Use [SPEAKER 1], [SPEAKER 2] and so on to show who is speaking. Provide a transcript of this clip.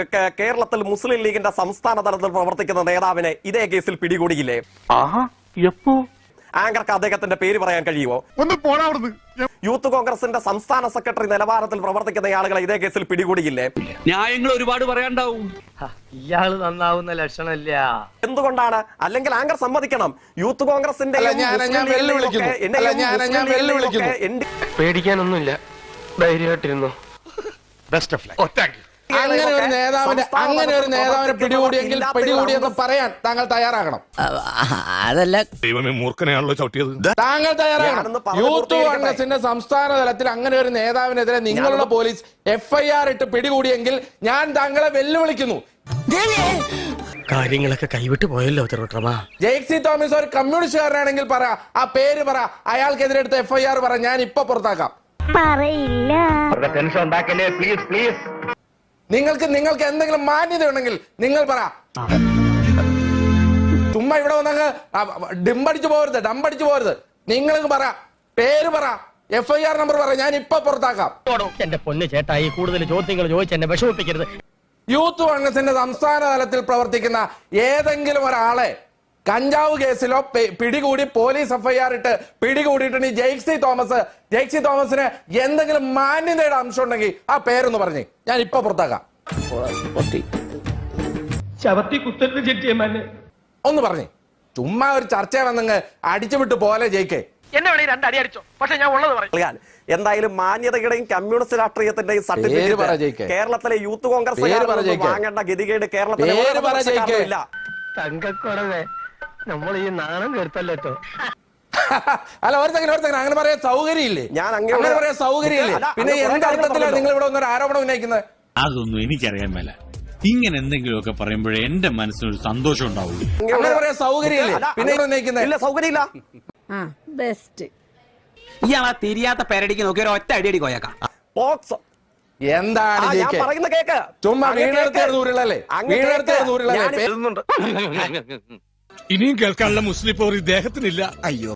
[SPEAKER 1] കേരളത്തിൽ മുസ്ലിം ലീഗിന്റെ സംസ്ഥാന തലത്തിൽ പ്രവർത്തിക്കുന്ന നേതാവിനെ ഇതേ കേസിൽ പിടികൂടിയില്ലേ? ആങ്കർക്ക് അദ്ദേഹത്തിന്റെ പേര് പറയാൻ കഴിയുമോ? യൂത്ത് കോൺഗ്രസിന്റെ സംസ്ഥാന സെക്രട്ടറി നിലവാരത്തിൽ പ്രവർത്തിക്കുന്ന ആളുകളെ ഇതേ കേസിൽ പിടികൂടിയില്ലേ?
[SPEAKER 2] ന്യായങ്ങൾ ഒരുപാട് പറയാണ്ടാവും.
[SPEAKER 3] ഇയാള് നന്നാവുന്ന ലക്ഷണമില്ല.
[SPEAKER 1] എന്തുകൊണ്ടാണ്? അല്ലെങ്കിൽ ആങ്കർ സമ്മതിക്കണം, യൂത്ത് കോൺഗ്രസിന്റെ
[SPEAKER 3] പേടിക്കാനൊന്നുമില്ല, ധൈര്യമായിട്ടിരുന്നു.
[SPEAKER 4] Best of luck. അങ്ങനെ ഒരു നേതാവിനെ പിടികൂടിയെങ്കിൽ പിടികൂടിയെന്ന് പറയാൻ താങ്കൾ തയ്യാറാകണം.
[SPEAKER 5] അതല്ല,
[SPEAKER 6] ദൈവമേ, മൂർഖനെയാണല്ലോ ചവിട്ടിയത്.
[SPEAKER 4] താങ്കൾ തയ്യാറാകണം. യൂത്ത് കോൺഗ്രസിന്റെ സംസ്ഥാന തലത്തിൽ അങ്ങനെ ഒരു നേതാവിനെതിരെ നിങ്ങളുടെ പോലീസ് FIR ഇട്ട് പിടികൂടിയെങ്കിൽ ഞാൻ താങ്കളെ വെല്ലുവിളിക്കുന്നു.
[SPEAKER 3] കാര്യങ്ങളൊക്കെ കൈവിട്ട് പോയല്ലോ തിരുവട്ടമാ.
[SPEAKER 4] ജെയ്സി തോമസ് ഒരു കമ്മ്യൂണിസ്റ്റുകാരനാണെങ്കിൽ പറ, ആ പേര് പറ, അയാൾക്കെതിരെ എടുത്ത FIR പറ, ഞാൻ ഇപ്പൊ പുറത്താക്കാം.
[SPEAKER 7] പറയില്ല.
[SPEAKER 3] ടെൻഷൻ ഉണ്ടാക്കല്ലേ, പ്ലീസ് പ്ലീസ്.
[SPEAKER 4] നിങ്ങൾക്ക് എന്തെങ്കിലും മാന്യത ഉണ്ടെങ്കിൽ നിങ്ങൾ പറ. ചുമ്മാ ഇവിടെ വന്നങ്ങ് ഡംപടിച്ചു പോകരുത്. നിങ്ങൾക്ക് പറ, പേര് പറ, FIR നമ്പർ പറ, ഞാൻ ഇപ്പൊ പുറത്താക്കാം.
[SPEAKER 3] എന്റെ പൊന്ന് ചേട്ടായി, കൂടുതൽ ചോദ്യങ്ങൾ ചോദിച്ച് എന്നെ വിഷമിപ്പിക്കരുത്.
[SPEAKER 4] യൂത്ത് കോൺഗ്രസിന്റെ സംസ്ഥാന തലത്തിൽ പ്രവർത്തിക്കുന്ന ഏതെങ്കിലും ഒരാളെ കഞ്ചാവ് കേസിലോ പിടികൂടി പോലീസ് FIR ഇട്ട് പിടികൂടിയിട്ട് ജെയ്സി തോമസിന് എന്തെങ്കിലും മാന്യതയുടെ അംശം ഉണ്ടെങ്കിൽ ആ പേരൊന്ന് പറഞ്ഞേ, ഞാൻ ഇപ്പൊ പുറത്താക്കാം. ഒന്ന് പറഞ്ഞേ. ചുമ്മാ ഒരു ചർച്ച വന്നങ്ങ് അടിച്ചുവിട്ട് പോലെ ജയിക്കേ.
[SPEAKER 3] എന്നെ വേണേ രണ്ടടി അടിച്ചോ, പക്ഷെ ഞാൻ ഉള്ളത് പറയും.
[SPEAKER 1] എന്തായാലും മാന്യതയുടെയും കമ്മ്യൂണിസ്റ്റ് രാഷ്ട്രീയത്തിന്റെയും സർട്ടിഫിക്കറ്റ് കേരളത്തിലെ യൂത്ത് കോൺഗ്രസ് വാങ്ങേണ്ട ഗതികേട് കേരളത്തിലെ
[SPEAKER 3] തങ്കക്കുറവേ, നമ്മൾ ഈ നാണം കേട്ടല്ലോ.
[SPEAKER 4] അല്ല, ഒരു സെക്കൻഡ്, അങ്ങനെ പറയാൻ സൗകര്യമില്ലേ? ഞാൻ അങ്ങനെ പറയാൻ സൗകര്യമില്ലേ? പിന്നെ എന്തർത്ഥത്തിലാണ് നിങ്ങൾ ഇവിടെ ഒരു ആരോപണം ഉന്നയിക്കുന്നത്?
[SPEAKER 8] അതൊന്നും എനിക്കറിയാൻ മേല. ഇങ്ങനെ എന്തെങ്കിലുമൊക്കെ പറയുമ്പോഴേ എന്റെ മനസ്സിനൊരു സന്തോഷം ഉണ്ടാവുള്ളൂ.
[SPEAKER 4] അങ്ങനെ പറയാൻ സൗകര്യമില്ലേ? പിന്നെ ഉന്നയിക്കുന്നത്
[SPEAKER 1] സൗകര്യമില്ല.
[SPEAKER 7] ബെസ്റ്റ്.
[SPEAKER 2] ഇയാളാ തിരിയാത്ത പേരടിക്ക് നോക്കി ഒരു ഒറ്റ അടിയടി കോയക്കാം.
[SPEAKER 4] എന്താണ്
[SPEAKER 1] പറയുന്ന കേക്ക്?
[SPEAKER 4] ചുമ്മാ വീണെടുത്തേർന്ന് ഊരുള്ളല്ലേ?
[SPEAKER 6] ഇനിയും കേൾക്കാനുള്ള മുസ്ലിം പോർ ഇദ്ദേഹത്തിനില്ല. അയ്യോ.